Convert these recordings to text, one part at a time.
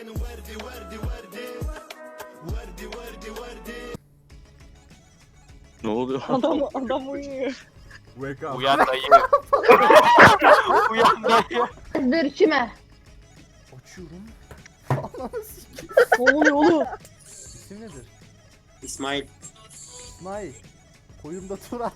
Ne oluyor? Adam uyuyor. Wake up. Uyan dayı. Uyan dayı. Dur kime? Açıyorum. Ne oluyor oğlum? İsim nedir? İsmail. İsmail. Koyumda tur at.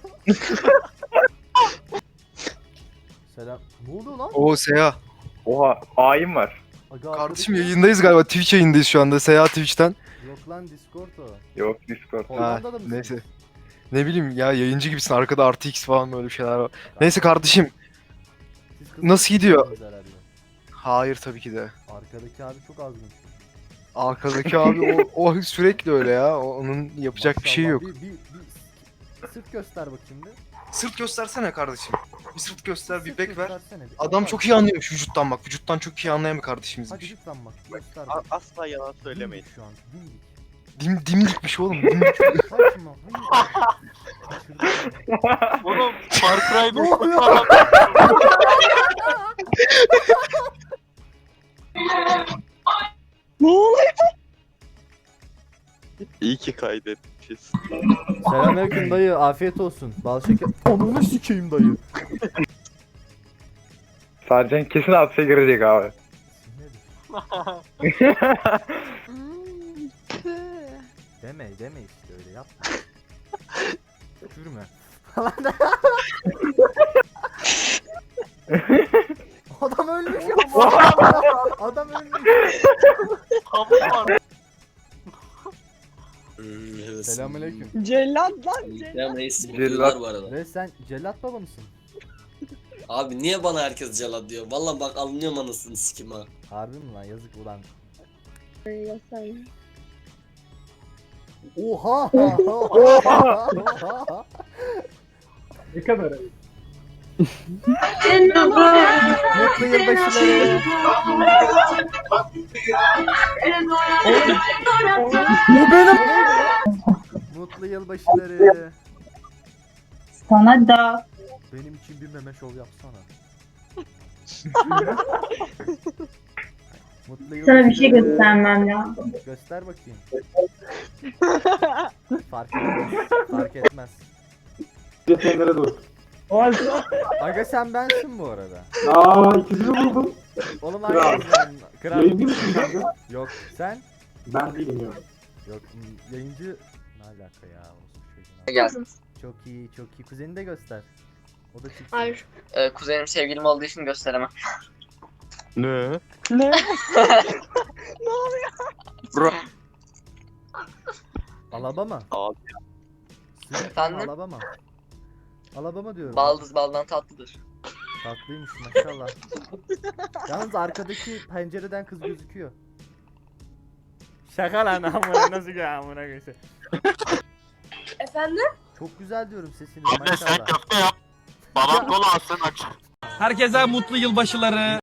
Selam. Ne oluyor lan? Oo Seha. Oha hain var. Aga, Kardeşim arkadaki- yayındayız galiba. Twitch yayındayız şu anda. Seha Twitch'ten. Yok lan Discord o. Yok Discord. Ha, Hollanda'da mısın? neyse. Ne bileyim ya yayıncı gibisin. Arkada artı X falan böyle şeyler var. Neyse kardeşim. Siz kız Nasıl gidiyor? mısınız herhalde? Hayır tabii ki de. Arkadaki abi çok azmış. Arkadaki abi o sürekli öyle ya. Onun yapacak bir şey yok. Bir sırt göster bakayım bir. Sırt göstersene kardeşim. Bir sırt göster, bir Sırt bek ver. göstersene bir. Adam Bak, çok iyi anlıyormuş vücuttan bak. Vücuttan çok iyi anlayan bir Hadi kardeşimizmiş. lütfen bak göster bak. Asla yalan söylemeyin. Dimdik şu an dimdik. Dimdikmiş oğlum. Dimdik. Kaçma. Hayır. Kaçırdım. Oğlum Far Cry Ne oluyor? falan. Ne oluyor? İyi ki kaydetmişiz. Selamünaleyküm dayı, afiyet olsun. Bal şeker. Ananı sikeyim dayı. Sercan kesin hapse girecek abi. Deme işte öyle yapma. Tükürme. Adam ölmüş ya. Adam ölmüş. Tamam var. Selamünaleyküm. Cellat lan cellat. Ya reis Cellat. bakıyorlar bu arada. Ve sen cellat baba mısın? Abi niye bana herkes cellat diyor? Vallahi bak alınıyorum anasını sikim ha. Harbi mi lan, yazık ulan. Ya sen. Oha! Ne kadar Mutlu yılbaşıları. Bu benim. Mutlu yılbaşıları. Sana da Benim için bir meme şov yapsana. Mutlu yılbaşıları. sana bir şey göstermem lazım. Göster bakayım. Fark etmez. Fark etmez. Yetenlere dur. Aga sen bensin bu arada. İkisini buldum. Oğlum hangisinden? Kral. misin kanka? Yok sen? Ben değilim ya. Yok yayıncı. Ne alaka ya? Olsun çocuğuna. Gelsin. Çok iyi çok iyi. Kuzeni de göster. O da çıksın. Hayır. Kuzenim sevgilim olduğu için gösteremem. Ne? Ne? Bro. Alabama. Abi. Sizin Efendim? Alabama. Alabama diyorum. Baldız baldan tatlıdır. Tatlıymış maşallah. Yalnız arkadaki pencereden kız gözüküyor. Şaka lan amına nasıl ya amına göğsü. Efendim? Çok güzel diyorum sesiniz Anne sen maşallah. köfte yap. Babam kola alsın aç. Herkese mutlu yılbaşıları.